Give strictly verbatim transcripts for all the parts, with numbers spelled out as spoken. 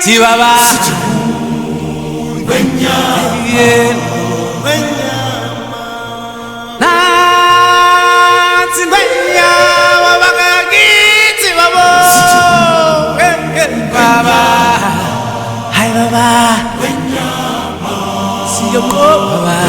Chihuahua Hai baba, siyo ko baba.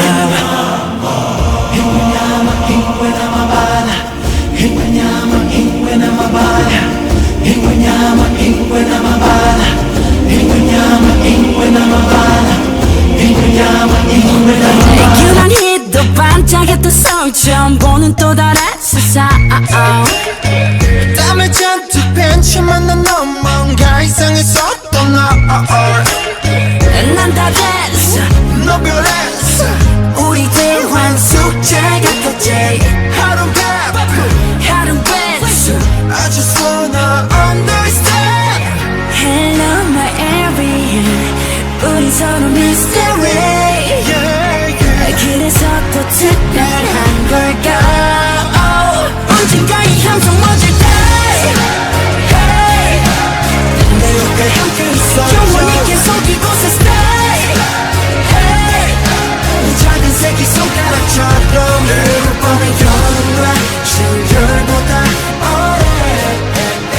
Hinyama ingwe na mabala, hinyama ingwe na mabala, hinyama ingwe na mabala, hinyama ingwe na mabala, hinyama ingwe na mabala. 유난히도 반짝였던 서울처럼 보는 또 다른 세상. 땀을 잔뜩 벤치만 난 뭔가 이상했었던 너 난 다 됐어. 너 변했어 우리 대환 숙제 같았지. 하루는 바쁘 하루는 배수. I just wanna understand Hello my area. 우린 서로 mystery. yeah, yeah. 그래서 또 특별한 걸까? oh. 언젠가 이 함성 멎을 때 hey. 내 옆에 함께 있어줘 영원히 계속 이곳에 stay hey. 이 작은 새끼 손가락처럼 늘 뻔한 여름과 신결보다 오래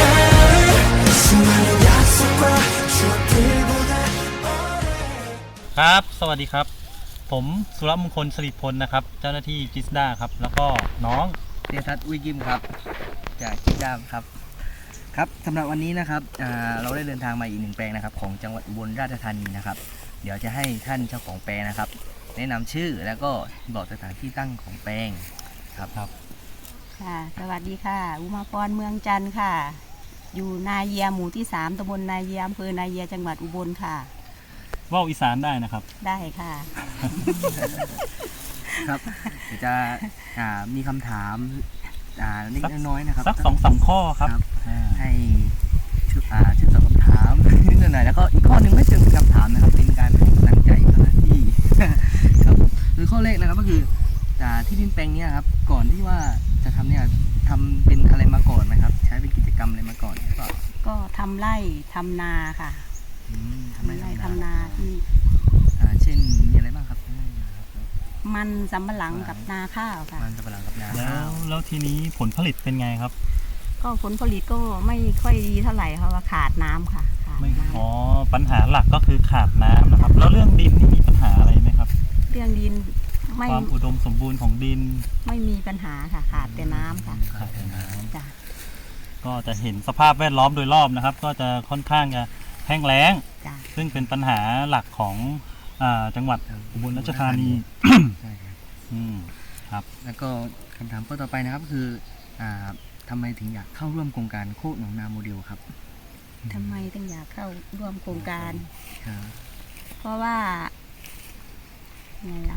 수많은 약속과 추억들보다 오래 ครับ สวัสดีครับ ผมสุรมงคลสิริพลนะครับ เจ้าหน้าที่จิสดาครับ แล้วก็น้องเดทัศน์อุยกิมครับจากจิดามครับครับสำหรับวันนี้นะครับเราได้เดินทางมาอีกหนึ่งแปลงนะครับของจังหวัดอุบลราชธานีนะครับเดี๋ยวจะให้ท่านเจ้าของแปลงนะครับแนะนำชื่อแล้วก็บอกสถานที่ตั้งของแปลงครับครับค่ะสวัสดีค่ะอุมาพรเมืองจันทร์ค่ะ อยู่นาเยียหมู่ที่สามตำบลนาเยียอำเภอนาเยียจังหวัดอุบลค่ะว่าวอีสานได้นะครับได้ค่ะครับเดี๋ยวจะอ่ามีคำถามอ่าเล็กน้อยนะครับสักสองสามข้อครับครับอ่าให้ช่วยอ่าช่วยตอบคำถาม นิดหน่อยแล้วก็อีกข้อหนึ่งไม่เชิงเป็นคำถามนะครับเป็นการให้กำลังใจเจ้าหน้าที่ ครับโดยข้อแรกนะครับก็คืออ่าที่ดินแปลงเนี้ยครับก่อนที่ว่าจะทำเนี่ยทำเป็นอะไรมาก่อนไหมครับ ใช้เป็นกิจกรรมอะไรมาก่อนหรือเปล่าก็ทำไร่ทำนาค่ะอืมทำไร่ทำนาที่อ่าเช่นมีอะไรบ้างครับมันสำปะหลังกับนาข้าวค่ะมันสับปะหลังกับนาแล้ข้าว วแล้วทีนี้ผลผลิตเป็นไงครับก็ผลผลิตก็ไม่ค่อยดีเท่าไหร่เพราะว่าขาดน้ำค่ะขาดไม่น้อ๋อปัญหาหลักก็คือขาดน้ำนะครับ แล้วเรื่องดินนี่มีปัญหาอะไรไหมครับำเรื่องดินไม่ความอุดมสมบูรณ์ของดินไม่มีปัญหาค่ะขาดแต่น้ำค่ะขาดแต่น้จ้ะำก็จะเห็นสภาพแวดล้อมโดยรอบนะครับ ก็จะค่อนข้างจะแห้งแล้งจ้ะซึ่งเป็นปัญหาหลักของอ่าจังหวัดอุบลราชธานีใช่ครับอืมครับแล้วก็คำถามข้อต่อไปนะครับคืออ่าทำไมถึงอยากเข้าร่วมโครงการโคกหนองนาโมเดลครับทำไมถึงอยากเข้าร่วมโครงการครับเพราะว่าไงล่ะ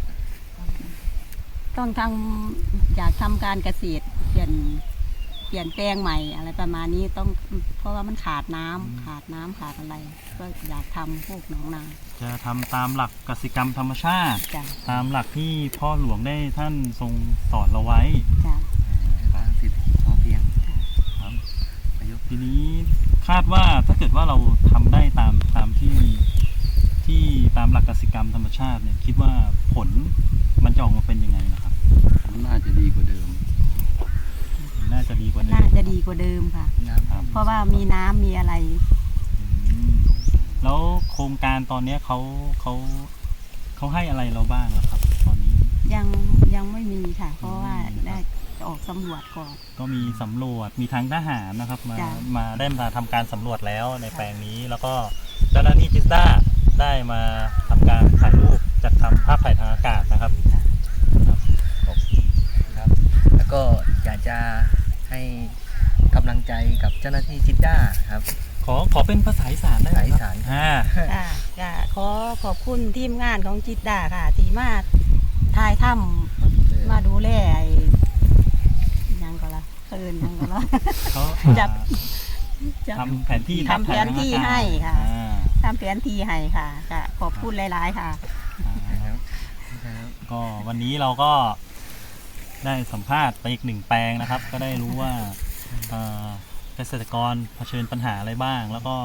ต้องทำอยากทำการเกษตรเปลี่ยนเปลี่ยนแปลงใหม่อะไรประมาณนี้ต้องเพราะว่ามันขาดน้ำขาดน้ำขาดอะไร ก็อยากทำพวกหนองนาจะทำตามหลักกสิกรรมธรรมชาติจ้ะตามหลักที่พ่อหลวงได้ท่านทรงสอนเราไว้จ้ะทางเศรษฐกิจพอเพียงครับประยุกต์ทีนี้คาดว่าถ้าเกิดว่าเราทำได้ตามตามที่ที่ตามหลักกสิกรรมธรรมชาติเนี่ยคิดว่าผลมันจะออกมาเป็นยังไงนะครับน่าจะดีกว่าเดิมน่าจะดีกว่าเดิน่าม จะดีกว่าเดิมค่ะน้ำครับเพราะว่ามีน้ำมีอะไรอืมแล้วโครงการตอนเนี้ยเขาเขาเขาให้อะไรเราบ้างแล้วครับ ตอนนี้ยังยังไม่มีค่ะ เพราะว่าได้ออกสำรวจก่อนก็มีสำรวจมีทางทหารนะครับ มาจ้ะมาได้มาทำการสำรวจแล้วในแปลงนี้ แล้วก็เจ้าหน้าที่จิสด้าได้มาทำการถ่ายรูปจัดทำภาพถ่ายทางอากาศนะครับครับขอบคุณครับ แล้วก็อยากจะให้กำลังใจกับเจ้าหน้าที่จิตด้าครับขอขอเป็นภาษาอีสานได้ไหมภาษาอีสานอ่าค่ะก็ขอขอบคุณทีมงานของจิตดาค่ะ ที่มาถ่ายถ้ำมาดูแลไอ้หยังก็ละเอินหยังก็ละเขาจับทำแผนที่ทำแผนที่ให้ค่ะอ่าทำแผนที่ให้ค่ะก็ขอบคุณหลายๆค่ะครับครับก็วันนี้เราก็ได้สัมภาษณ์ไปอีกหนึ่งแปลงนะครับ ก็ได้รู้ว่าเอ่อเกษตรกรเผชิญปัญหาอะไรบ้าง แล้วก็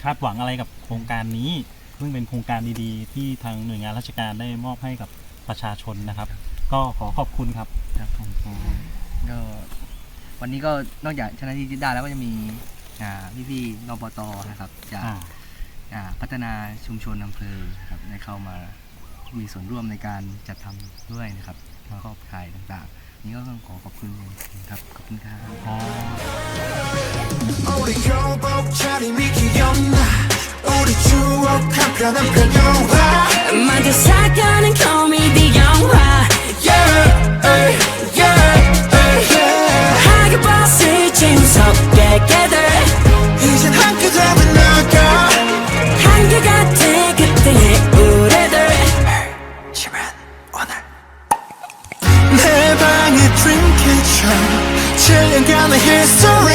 คาดหวังอะไรกับโครงการนี้ซึ่งเป็นโครงการดีๆ ที่ทางหน่วยงานราชการได้มอบให้กับประชาชนนะครับ ก็ขอขอบคุณครับครับผมก็วันนี้ก็นอกจากชนะที่จิตดาแล้วก็จะมีอ่าพี่ๆนปตนะครับจากอ่าอ่าพัฒนาชุมชนอำเภอนะครับได้เข้ามามีส่วนร่วมในการจัดทำด้วยนะครับครอบถ่ายต่างๆ นี่ก็ต้องขอขอบคุณครับขอบคุณครับ 우리 교복 차림이 귀엽나 우리 추억 한편한 편영화 만든 사건은 코미디 영화 Yeah, ay, yeah, ay, yeah 하게 봤을 재무섭게 gather 이젠 한 끗업은 나가 한결 같아 그때의 우리들 지만 오늘 내 방의 dream kitchen 칠 년간의 history